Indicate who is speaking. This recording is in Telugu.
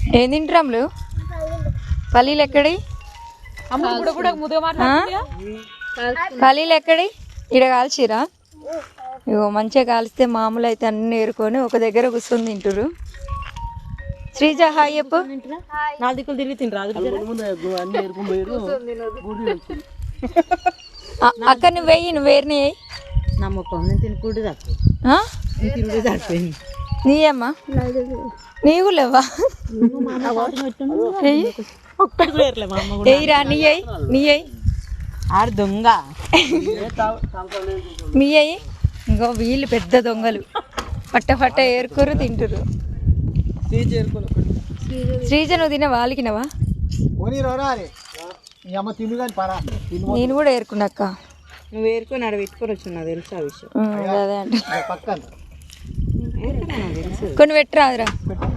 Speaker 1: ఏం తింటాంలు పల్లీలు ఎక్కడి పల్లీలు ఎక్కడి ఇడ కాల్చిరా ఇగో మంచిగా కాల్స్తే మామూలు అయితే అన్ని ఏరుకొని ఒక దగ్గర కూర్చొని తింటారు. శ్రీజ హాయ్ చెప్పు. అక్క నువ్వు వెయ్యి నువ్వు వేరుని నీయమ్మా నీవు లేవా ఎయ్యిరా నీ అయ్యి నీ అయ్యి
Speaker 2: దొంగ
Speaker 1: మీ అయ్యి ఇంకో వీళ్ళు పెద్ద దొంగలు పట్ట ఏరుకోరు తింటారు. శ్రీజ నువ్వు తిన వాళ్ళకినవా నేను కూడా ఏరుకున్నాక్క.
Speaker 2: నువ్వు ఏరుకొని ఆడ పెట్టుకొని వచ్చినా తెలుసు ఆ విషయం.
Speaker 1: అదే అంటే కొన్ని పెట్టరాదురా.